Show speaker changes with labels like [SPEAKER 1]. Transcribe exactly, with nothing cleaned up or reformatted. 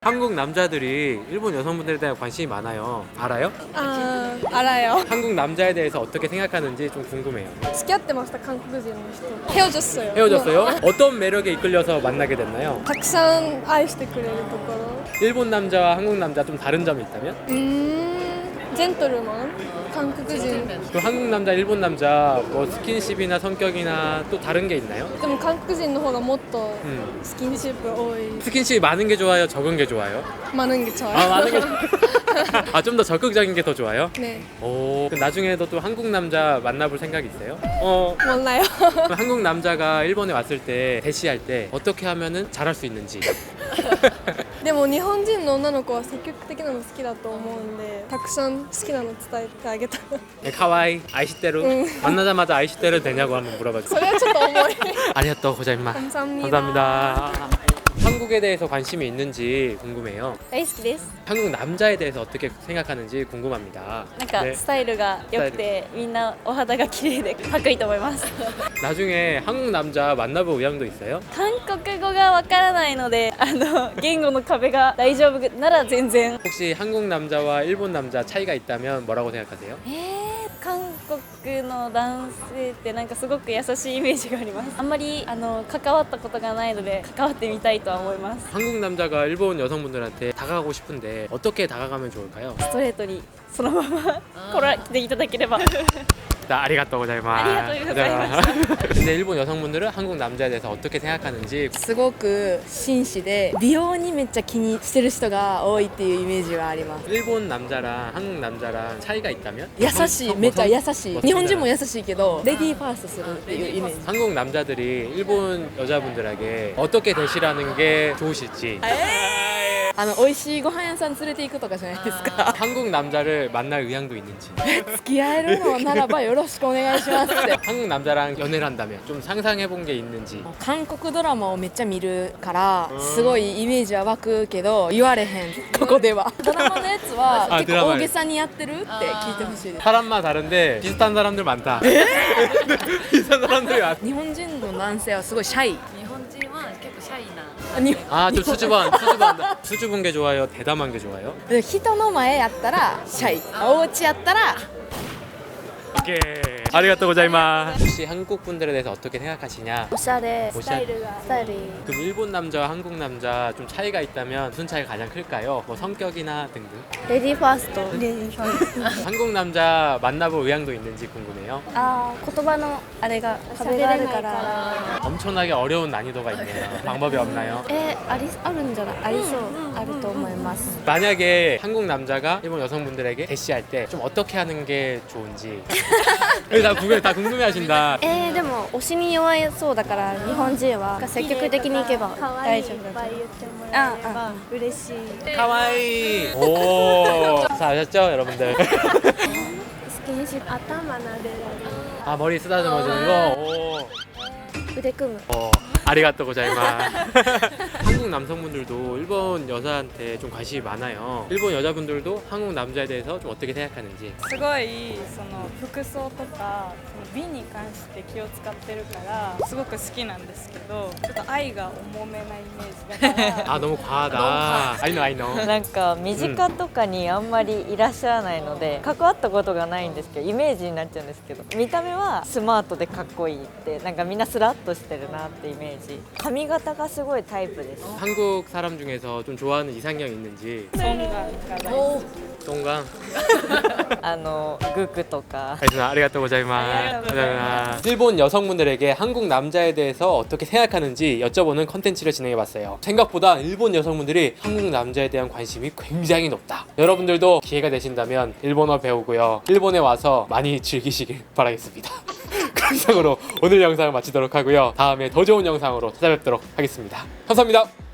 [SPEAKER 1] 한국 남자들이 일본 여성분들에 대한 관심이 많아요. 알아요?
[SPEAKER 2] 아, 알아요.
[SPEAKER 1] 한국 남자에 대해서 어떻게 생각하는지 좀 궁금해요.
[SPEAKER 2] 付き合ってました韓国人の人。헤어졌어요.
[SPEAKER 1] 헤어졌어요? 어떤 매력에 이끌려서 만나게 됐나요?
[SPEAKER 2] たくさん愛してくれるところ。
[SPEAKER 1] 일본 남자와 한국 남자 좀 다른 점이 있다면?
[SPEAKER 2] うーん、ジェントルマン、韓国人。
[SPEAKER 1] 또 한국 남자, 일본 남자 뭐 스킨십이나 성격이나 또 다른 게 있나요?
[SPEAKER 2] でも韓国人の方がもっと
[SPEAKER 1] 음.
[SPEAKER 2] スキンシップ多い。
[SPEAKER 1] 스킨십 많은 게 좋아요? 적은 게 좋아요?
[SPEAKER 2] 많은 게 좋아요.
[SPEAKER 1] 아, 많은 게 아, 좀 더 적극적인 게 더 좋아요?
[SPEAKER 2] 네,
[SPEAKER 1] 오, 그럼 나중에도 또 한국 남자 만나볼 생각 있어요? 어,
[SPEAKER 2] 몰라요.
[SPEAKER 1] 그럼 한국 남자가 일본에 왔을 때 대시할 때 어떻게 하면은 잘할 수 있는지.
[SPEAKER 2] でも日本人の女の子は積極的なの好きだと思うんで、たくさん好きなの伝えてあげた。
[SPEAKER 1] 카와이, 아이시대로
[SPEAKER 2] 응.
[SPEAKER 1] 만나자마자 아이시대로 되냐고 한번 물어봐주세요.
[SPEAKER 2] それはちょっと重い。
[SPEAKER 1] 아리가또 고자이마.
[SPEAKER 2] 감사합니다.
[SPEAKER 1] 감사합니다. 한국에 대해서 관심이 있는지 궁금해요.
[SPEAKER 3] 大好きです。
[SPEAKER 1] 한국 남자에 대해서 어떻게 생각하는지 궁금합니다.
[SPEAKER 3] なんか
[SPEAKER 1] 네.
[SPEAKER 3] スタイルが良くてみんなお肌が綺麗でかっこいいと思います。
[SPEAKER 1] 나중에 한국 남자 만나볼 의향도 있어요?
[SPEAKER 3] 韓国語がわからないので、あの言語の壁が大丈夫なら全然。
[SPEAKER 1] 혹시 한국 남자와 일본 남자 차이가 있다면 뭐라고 생각하세요?
[SPEAKER 3] えー、韓国の男性ってなんかすごく優しいイメージがあります。あんまりあの関わったことがないので関わってみたいとは思います。
[SPEAKER 1] 한국 남자가 일본 여성분들한테 다가가고 싶은데 어떻게 다가가면 좋을까요?
[SPEAKER 3] ストレートにそのまま来ら来ていただければ。
[SPEAKER 1] 나 아리가또 고자이마.
[SPEAKER 3] 아리가또 고자이마스.
[SPEAKER 1] 근데 일본 여성분들은 한국 남자에 대해서 어떻게 생각하는지
[SPEAKER 4] すごく紳士で美容にめっちゃ気にしてる人が多いっていうイメージはあります。
[SPEAKER 1] 일본 남자랑 한국 남자랑 차이가 있다면?
[SPEAKER 4] 優しい、
[SPEAKER 1] 성-
[SPEAKER 4] めっちゃ優
[SPEAKER 1] 성-
[SPEAKER 4] しい。
[SPEAKER 1] 성-
[SPEAKER 4] 日本人も優しいけどレディーファーストするっていうイメージ。
[SPEAKER 1] 한국 남자들이 일본 여자분들에게 어떻게 대시라는 게 좋으실지
[SPEAKER 4] あの美味しいご飯屋さん連れて行くとかじゃないですか。
[SPEAKER 1] 한국 남자를 만날 의향도 있는지
[SPEAKER 4] 付き合えるのならばよろしくお願いしますって。
[SPEAKER 1] 한국 남자랑 연애를 한다면 좀 상상해 본 게 있는지
[SPEAKER 4] 韓国ドラマをめっちゃ見るからすごいイメージは湧くけど言われへんここでは。ドラマのやつは
[SPEAKER 1] あ
[SPEAKER 4] 結
[SPEAKER 1] ドラマ
[SPEAKER 4] 構大げさにやってるって聞いてほしいです。
[SPEAKER 1] 사람마다 다른데 비슷한 사람들 많다. 비슷한 사람들이 많다.
[SPEAKER 4] 日本人の男性はすごいシャイ。
[SPEAKER 5] 日本人は結構シャイな
[SPEAKER 4] 日
[SPEAKER 1] 아, 좀 수줍은, 수줍은, 수줍은 게 좋아요? 대담한 게 좋아요?
[SPEAKER 4] 本人の前やったらシャイ、お家やったら
[SPEAKER 1] 오케이. 아리가또 고자이마스. 혹시 한국 분들에 대해서 어떻게 생각하시냐?
[SPEAKER 3] おしゃれ、
[SPEAKER 1] おしゃれ
[SPEAKER 3] スタイルがスタイルいい。
[SPEAKER 1] 그럼 일본 남자와 한국 남자 좀 차이가 있다면 무슨 차이가 가장 클까요? 뭐 성격이나 등등.
[SPEAKER 3] レディーファースト。
[SPEAKER 1] 한국 남자 만나볼 의향도 있는지 궁금해요.
[SPEAKER 3] ああ、言葉のあれが壁があるから。
[SPEAKER 1] 엄청나게 어려운 난이도가 있네요. 방법이 없나요?
[SPEAKER 3] えー、ありあるんじゃない？ありそう。あると思います。
[SPEAKER 1] 만약에 한국 남자가 일본 여성분들에게 대시할 때 좀 어떻게 하는 게 좋은지. 다 궁금해, 다 궁금해하신다.
[SPEAKER 3] えー、でも推しに弱いそうだから日本人は積極的に行けば大丈夫だと思う。ああ、嬉しい。
[SPEAKER 1] 카와이. 오. 자, 아셨죠, 여러분들?
[SPEAKER 3] スキンシップ、頭撫でられる。
[SPEAKER 1] 아, 머리 쓰다듬어 주는 거. 오.
[SPEAKER 3] 腕組む。
[SPEAKER 1] 어, 아리가또 고자이마. 한국 남성분들도 일본 여자한테 좀 관심이 많아요. 일본 여자분들도 한국 남자에 대해서 좀 어떻게 생각하는지.
[SPEAKER 6] すごいその服装とかその美に関して気を使ってるからすごく好きなんですけどちょっと愛が重めなイメージだから
[SPEAKER 1] 아, 너무 과하다. 아이노, 아이노.
[SPEAKER 7] なんか身近とかにあんまりいらっしゃらないので、関わったことがないんですけどイメージになっちゃうんですけど、見た目はスマートでかっこいいってなんかみんなスラッとしてるなってイメージ。髪型がすごいタイプです。
[SPEAKER 1] 한국 사람 중에서 좀 좋아하는 이상형 있는지.
[SPEAKER 6] ソンガンが大好き
[SPEAKER 1] 동강.
[SPEAKER 7] あのグクとか
[SPEAKER 1] 알겠습니다. 아리가또 고자이마스.
[SPEAKER 6] 아리가또 고자이마스.
[SPEAKER 1] 일본 여성분들에게 한국 남자에 대해서 어떻게 생각하는지 여쭤보는 컨텐츠를 진행해봤어요. 생각보다 일본 여성분들이 한국 남자에 대한 관심이 굉장히 높다. 여러분들도 기회가 되신다면 일본어 배우고요. 일본에 와서 많이 즐기시길 바라겠습니다. 그 이상으로 오늘 영상을 마치도록 하고요. 다음에 더 좋은 영상으로 찾아뵙도록 하겠습니다. 감사합니다.